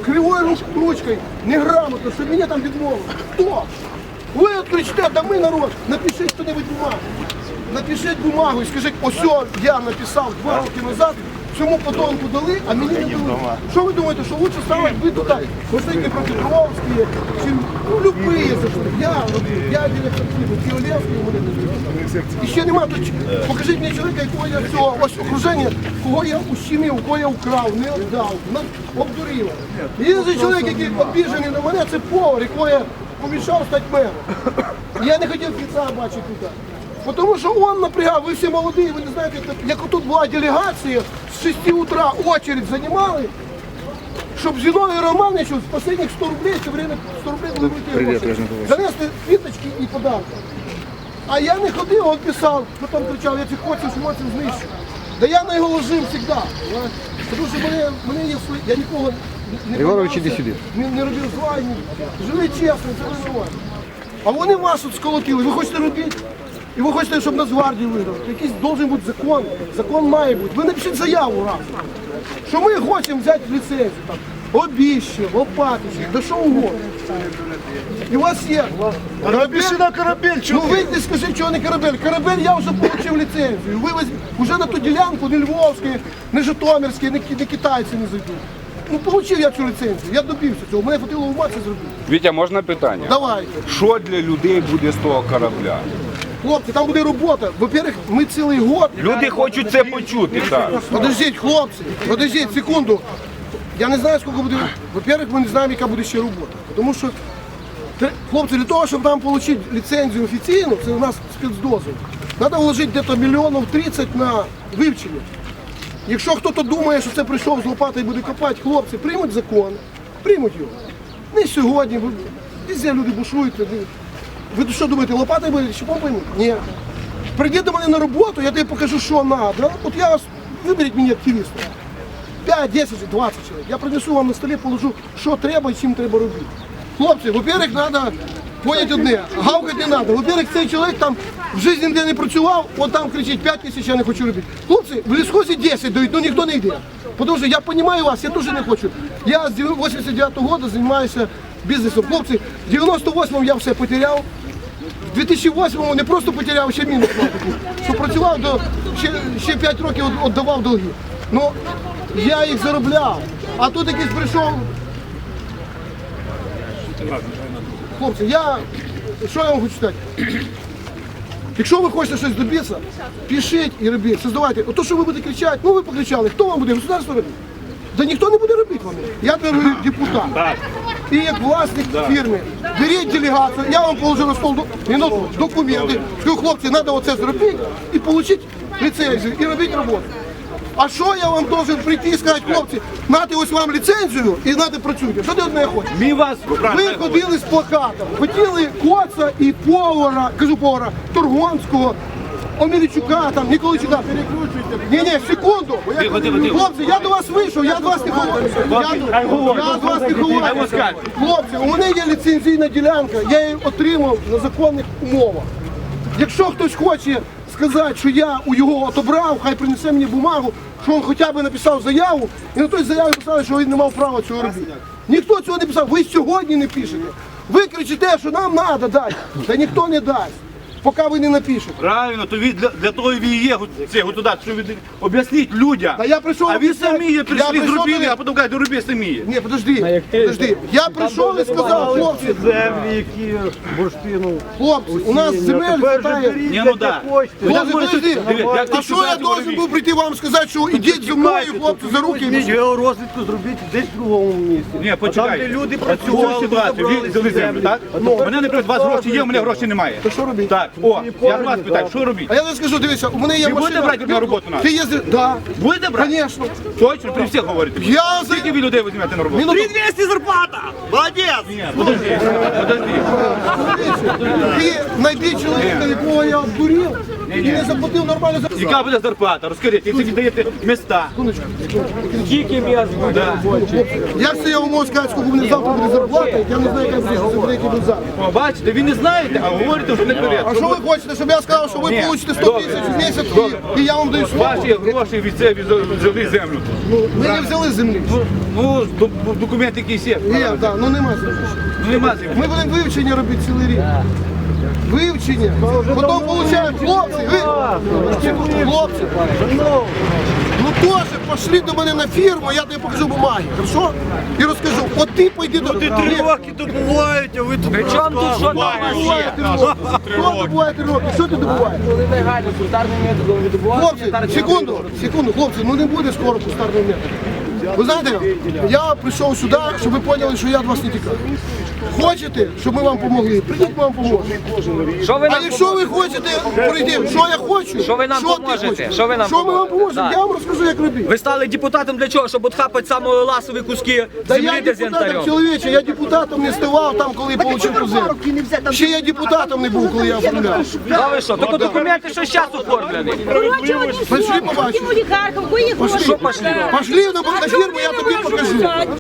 кривою ручкою, неграмотно, щоб мене там відмовили. Хто? Ви от кричите, да ми народ, напишіть хто-небудь бумагу. Напишіть бумагу і скажіть, ось я написав 2 роки назад, цьому подонку дали, а мені не дали. Що ви думаєте, що лучше стало, ви тут посидите проти Петровські, чи любые зайшли. Я директор Київлевський, у мене не дали. І ще нема, покажіть мені чоловіка, якого я всього, ось окруження, кого я ущемив, кого я украв, не віддав, обдурив. Єдиний чоловік, який обіжений на мене, це повар, якого я помішав стати мером. Я не хотів кінця бачити тут. Тому що він напрягав, ви всі молоді, ви не знаєте, як тут була делегація, з 6 утра очередь займали, щоб Зіновій Романовичу з останніх 100 рублей, це время 100 рублей були вийти, занесли квіточки і подарки. А я не ходив, він писав, потім кричав, я цих хочів знищу. Да я на його ложив завжди. Тому що мене є свої, я нікого не робив зла, жили чесно, це нормально. А вони вас тут сколотили, ви хочете робити? І ви хочете, щоб Нацгвардію видали. Якийсь должен бути закон. Закон має бути. Ви напишіть заяву раз. Що ми хочемо взяти ліцензію. Там, Обіще, Лопатище, да що угодно. І у вас є. Напиши на корабель, Ну вийди, скажи, чого не корабель. Корабель я вже отримав ліцензію. Ви вже на ту ділянку, не Львовський, не Житомирський, не китайці не зайдуть. Ну, отримав я цю ліцензію, я добився цього. Мене хватило ума це зробити. Вітя, можна питання? Давайте. Що для людей буде з того корабля? Хлопці, там буде робота. Во-первых, ми цілий год. Люди хочуть це почути, так. Подождіть, хлопці, подождіть, секунду. Я не знаю, скільки буде. Во-первых, ми не знаємо, яка буде ще робота. Тому що, хлопці, для того, щоб нам отримати ліцензію офіційну, це у нас спецдозвіл, треба вложити десь мільйонів 30 на вивчення. Якщо хтось думає, що це прийшов з лопатою і буде копати, хлопці, приймуть закон, приймуть його. Не сьогодні, везде люди бушують. Ви що думаєте, лопатою буде, щепом поймуть? Ні. Прийди до мене на роботу, я тобі покажу, що треба. От я вас, виберіть мені активіста. 5, 10, 20 чоловік. Я принесу вам на столі, положу, що треба і чим треба робити. Хлопці, во-первых, треба поняти одне, гавкати не треба. Во-первых, цей чоловік там в житті ніде не працював, от там кричить 5 тисяч, я не хочу робити. Хлопці, в лісхозі 10 дають, ну ніхто не йде. Тому що я розумію вас, я теж не хочу. Я з 89-го року займаюся бізнесом. Хлопці, в 98-му я все потеряв. В 2008-му не просто потеряв, ще мінус платив. Що працював, ще 5 років віддавав долги. Ну, я їх заробляв. А тут якийсь прийшов. Хлопці, що я вам хочу сказати? Якщо ви хочете щось добитися, пишіть і робіть, создавайте. Ото, що ви будете кричати, ну ви покричали, хто вам буде? Государство робити? Да ніхто не буде робити вам. Я говорю, депутат. І як власник фірми, беріть делегацію, я вам положу на стол документи, скажу, хлопці, треба оце зробити і отримати ліцензію, і робити роботу. А що я вам должен прийти і сказати, хлопці, нате ось вам ліцензію і нате працюйте. Що ти одне хочеш? Ви ходили з плакатом, хотіли Коца і повара, кажу повара, Торгонського, Омельчука, там, Ніколайчука. Ні, секунду. Хлопці, я до вас вийшов, я до вас не ховаю. Я до вас не ховаю. Хлопці, у мене є ліцензійна ділянка, я її отримав на законних умовах. Якщо хтось хоче сказати, що я у його отобрав, хай принесе мені бумагу, що він хоча б написав заяву, і на той заяві писали, що він не мав права цього робити. Ніхто цього не писав, ви сьогодні не пишете. Ви кричите, що нам треба дати, та ніхто не дасть, поки ви не напишете. Правильно, то для того і є цього туди, щоб об'яснити людям. Та я прийшов, а ви самі прийшли, зробили, а потім кажуть, роби самі. Ні, подожди. Я прийшов і сказав, хлопці, Землі, які бурштину. хлопці, у нас земель хватає. Ні, ну да. Хлопці, подожди, а що я должен був прийти вам сказати, що ідіть зі мною, хлопці, за руки? Візьміть георозвідку, зробіть десь в другому місці. Ні, почекайте. Там, де люди Цю працювали, ситуацію, ви взяли землю, так? У мене, наприклад, у вас гроші є, у мене грошей немає. То що робити? Так, я вас питаю, що робити? А я не скажу, дивіться, у мене є Ви будете машина. брати на роботу нас? Ти їздиш? Да. Будете брати? Конечно. Точно, при всіх говорите. Я за... Скільки ви людей візьмете на роботу? 3200 зарплата! Молодець! Ні, подожди. Ти знайди чоловіка, якого я обдурив, і не заплатив нормально за... Яка буде зарплата? Розкажіть, якщо ви даєте міста. Скільки м'ясо буде робочий? Як це я вам можу сказати, скільки мені завтра буде зарплата, я не знаю, як буде який завтра. О, бачите, ви не знаєте, а говорите вже наперед. А що ви хочете, щоб я сказав, що ви получите 100 тисяч в місяць і я вам даю слово? Ваші гроші від себе взяли землю. Ми не взяли землі. Ну, документи якісь є. Ні, так, ну нема землі. Ну нема землі. Ми будемо вивчення робити цілий рік. Вивчення. Потім получаємо хлопці, хлопці. Ну теж пошли до мене на фірму, я тобі покажу бумаги, хорошо? І розкажу, от ти пойди до... Ти 3 роки добуваєте, а ви тут... При чому тут що там Добуває 3 роки. Хто добуває 3 роки? Що ти добуваєш? Коли легально кустарним методом видобувати, Хлопці, секунду, хлопці, ну не буде скоро кустарного методу. Ви знаєте, я прийшов сюди, щоб ви поняли, що я від вас не тікаю. Хочете, щоб ми вам допомогли? Прийдіть, ми вам поможемо. Що ви А нам якщо ви хочете, прийдіть, що я хочу, Що ви нам ти поможете? хочеш? Що ви нам Що ми вам поможете? поможемо? Так. Я вам розкажу, як робити. Ви стали депутатом для чого? Щоб отхапати самі ласові куски Та я землі депутатом, дезінтарем? чоловіче, я депутатом не ставав там, коли отримав цю землю. Ще я депутатом не був, коли я оформляв. А ви що? Тільки документи, що зараз оформлені. Пошли побачимо. Що пошли? Пошли на фірму, я тобі покажу.